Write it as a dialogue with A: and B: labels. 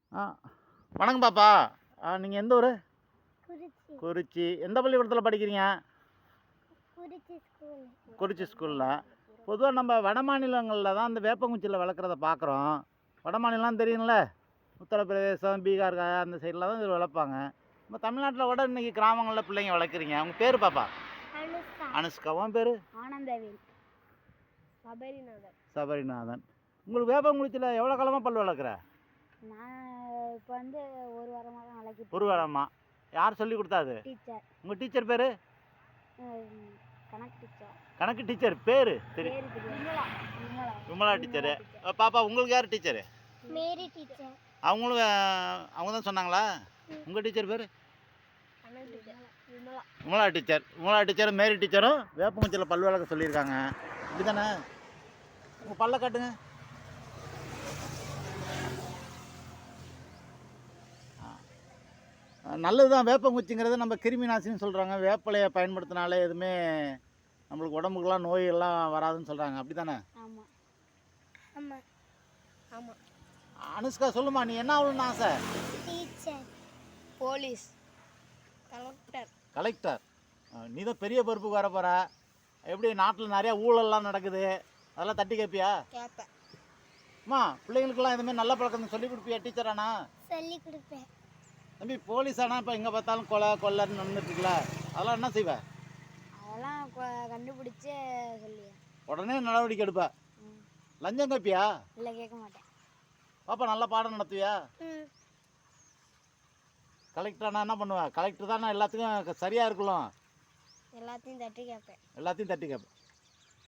A: ஆ வணக்கம் பாப்பா. நீங்கள் எந்த ஊர்?
B: குறிச்சி.
A: குறிச்சி. எந்த பள்ளிக்கூடத்தில் படிக்கிறீங்க?
B: குறிச்சி ஸ்கூல்.
A: குறிச்சி ஸ்கூலில். பொதுவாக நம்ம வட மாநிலங்களில் தான் இந்த வேப்பங்குச்சியில் வளர்க்குறத பார்க்குறோம். வட மாநிலம் தெரியுங்கள, உத்தரப்பிரதேசம், பீகார் அந்த சைடில் தான் இது வளர்ப்பாங்க. நம்ம தமிழ்நாட்டில் கூட இன்றைக்கி கிராமங்களில் பிள்ளைங்க வளர்க்குறீங்க. அவங்க பேர் பாப்பா?
B: அனுஷ்கா.
A: அனுஷ்கா. உன் பேர்?
B: ஆனந்தவேல். சபரிநாதன்.
A: சபரிநாதன். உங்களுக்கு வேப்பங்குச்சியில் எவ்வளோ காலமாக பல் வளர்க்குற?
B: நான் இப்போ வந்து ஒரு வாரமாக தான் வளர்க்கிட்டு.
A: ஒரு வாரமாக. யார் சொல்லி கொடுத்தாது?
B: டீச்சர்.
A: உங்கள் டீச்சர் பேர்?
B: கணக்கு டீச்சர்.
A: கணக்கு டீச்சர் பேர் தெரியும்?
B: விமலா.
A: விமலா டீச்சரு. பாப்பா உங்களுக்கு யார் டீச்சரு?
B: மேரி டீச்சர்.
A: அவங்களும் அவங்க தான் சொன்னாங்களா? உங்கள் டீச்சர் பேர்?
B: கணக்கு டீச்சர். விமலா.
A: விமலா டீச்சர். விமலா டீச்சரும் மேரி டீச்சரும் வேப்பங்குச்சியில் பல் வளர்க்க சொல்லியிருக்காங்க. இப்படி தானே? உங்கள் பல்ல காட்டுங்க. நல்லது தான் வேப்பங்குச்சிங்கிறது. நம்ம கிருமி நாசினின்னு சொல்கிறாங்க. வேப்பலையை பயன்படுத்தினாலே எதுவுமே நம்மளுக்கு உடம்புக்கெல்லாம் நோயெல்லாம் வராதுன்னு சொல்கிறாங்க. அப்படி தானே?
B: ஆமாம் ஆமாம் ஆமாம்.
A: அனுஷ்கா சொல்லுமா, நீ என்ன ஆகணும்னு ஆசை?
B: Teacher, police, collector.
A: கலெக்டர். நீ தான் பெரிய பொறுப்புக்கு வர போகிற. எப்படி நாட்டில் நிறையா ஊழல்லாம் நடக்குது, அதெல்லாம் தட்டி கேட்பியா?
B: கேட்பேன்.
A: அம்மா, பிள்ளைங்களுக்கெல்லாம் இதுமாதிரி நல்ல பழக்கம் சொல்லி கொடுப்பியா டீச்சரானா?
B: சொல்லி கொடுப்பேன்.
A: தம்பி, போலீஸ் ஆனால் இப்போ எங்கே பார்த்தாலும் கொள்ளைன்னு நடந்துட்டுருக்குல, அதெல்லாம் என்ன செய்வேன்?
B: அதெல்லாம் கண்டுபிடிச்சே சொல்லியா
A: உடனே நடவடிக்கை எடுப்பேன். லஞ்சம் கேட்பியா?
B: இல்லை, கேட்க மாட்டேன்.
A: பாப்பா, நல்லா பாடம் நடத்துவியா? கலெக்டரானா என்ன பண்ணுவேன்? கலெக்டர் தானே எல்லாத்துக்கும் சரியாக இருக்கலாம்.
B: எல்லாத்தையும் தட்டி கேட்பேன்.
A: எல்லாத்தையும் தட்டி கேட்பேன்.